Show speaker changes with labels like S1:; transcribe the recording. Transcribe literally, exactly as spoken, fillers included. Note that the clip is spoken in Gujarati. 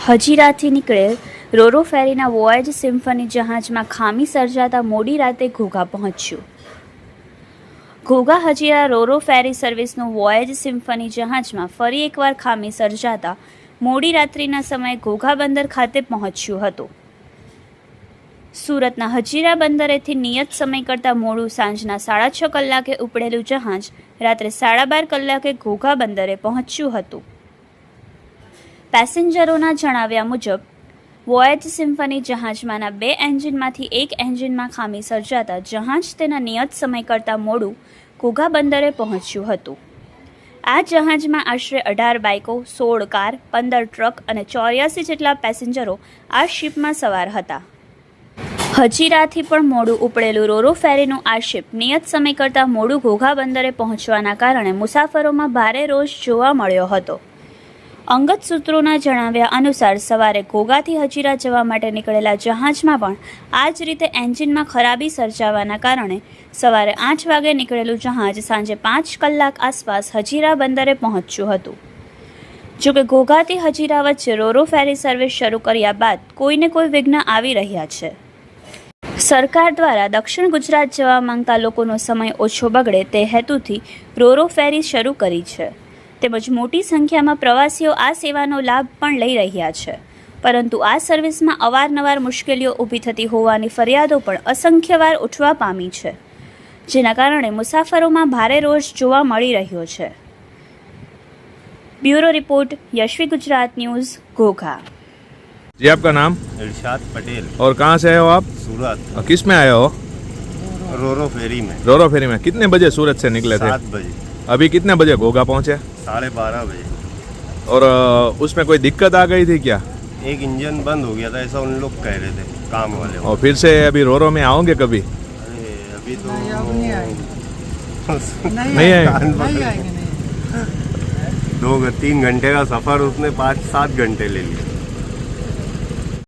S1: હજીરાથી નીકળેલ રોરો ફેરીના વોયેજ સિમ્ફની જહાજમાં ખામી સર્જાતા મોડી રાતે ઘોઘા પહોંચ્યું. ઘોઘા હજીરા રોરો ફેરી સર્વિસનું વોયેજ સિમ્ફની જહાજમાં ફરી એકવાર ખામી સર્જાતા મોડી રાત્રિના સમયે ઘોઘા બંદર ખાતે પહોંચ્યું હતું. સુરતના હજીરા બંદરેથી નિયત સમય કરતાં મોડું સાંજના સાડા છ કલાકે ઉપડેલું જહાજ રાત્રે સાડા બાર કલાકે ઘોઘા બંદરે પહોંચ્યું હતું. પેસેન્જરોના જણાવ્યા મુજબ વોયેજ સિમ્ફની જહાજમાંના બે એન્જિનમાંથી એક એન્જિનમાં ખામી સર્જાતા જહાજ તેના નિયત સમય કરતાં મોડું ઘોઘા બંદરે પહોંચ્યું હતું. આ જહાજમાં આશરે અઢાર બાઇકો, સોળ કાર, પંદર ટ્રક અને ચોર્યાસી જેટલા પેસેન્જરો આ શિપમાં સવાર હતા. હજીરાથી પણ મોડું ઉપડેલું રોરો ફેરીનું આ શિપ નિયત સમય કરતાં મોડું ઘોઘા બંદરે પહોંચવાના કારણે મુસાફરોમાં ભારે રોષ જોવા મળ્યો હતો. અંગત સૂત્રોના જણાવ્યા અનુસાર સવારે ઘોઘાથી હજીરા જવા માટે નીકળેલા જહાજમાં પણ આ જ રીતે એન્જિનમાં ખરાબી સર્જાવાના કારણે સવારે આઠ વાગે નીકળેલું જહાજ સાંજે પાંચ કલાક આસપાસ હજીરા બંદરે પહોંચ્યું હતું. જોકે ઘોઘાથી હજીરા વચ્ચે રોરો ફેરી સર્વિસ શરૂ કર્યા બાદ કોઈને કોઈ વિઘ્ન આવી રહ્યા છે. સરકાર દ્વારા દક્ષિણ ગુજરાત જવા માંગતા લોકોનો સમય ઓછો બગડે તે હેતુથી રોરો ફેરી શરૂ કરી છે. તેમજ મોટી સંખ્યામાં પ્રવાસીઓ આ સેવાનો લાભ પણ લઈ રહ્યા છે. પરંતુ આ સર્વિસમાં અવારનવાર મુશ્કેલીઓ ઊભી થતી હોવાની ફરિયાદો પણ અસંખ્યવાર ઉઠવા પામી છે, જેના કારણે મુસાફરોમાં ભારે રોષ જોવા મળી રહ્યો છે. Bureau report Yashvi Gujarat news Ghogha.
S2: जी आपका नाम?
S3: इरशाद पटेल.
S2: और कहाँ से आए हो आप?
S3: सूरत.
S2: और किस में आए हो?
S3: रोरो फेरी में.
S2: रोरो फेरी में. कितने बजे सूरत से निकले थे?
S3: सात बजे.
S2: अभी कितने बजे घोघा पहुँचे?
S3: साढ़े बारह बजे.
S2: और उसमें कोई दिक्कत आ गई थी क्या?
S3: एक इंजन बंद हो गया था, ऐसा उन लोग कह रहे थे काम वाले.
S2: और फिर से अभी रोरो में आओगे कभी?
S3: अरे अभी तो
S4: नहीं, अब नहीं आएंगे. नहीं
S2: नहीं
S4: आएंगे,
S2: आएंगे.
S4: नहीं आएंगे नहीं.
S3: दो तीन घंटे का सफर उसने पाँच सात घंटे ले लिया.